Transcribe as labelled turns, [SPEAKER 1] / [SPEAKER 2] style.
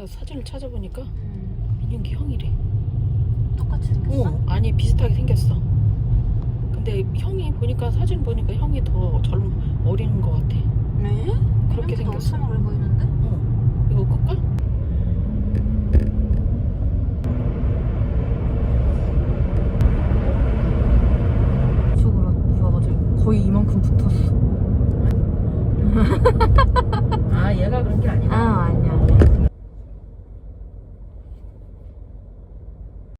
[SPEAKER 1] 사진을 찾아보니까 민윤기 형이래.
[SPEAKER 2] 똑같이 생겼어?
[SPEAKER 1] 아니 비슷하게 생겼어. 근데 형이 보니까 사진 보니까 형이 더 어린 것 같아.
[SPEAKER 2] 네?
[SPEAKER 1] 그렇게 생겼어.
[SPEAKER 2] 엄청 어려 보이는데?
[SPEAKER 1] 이거 끌까?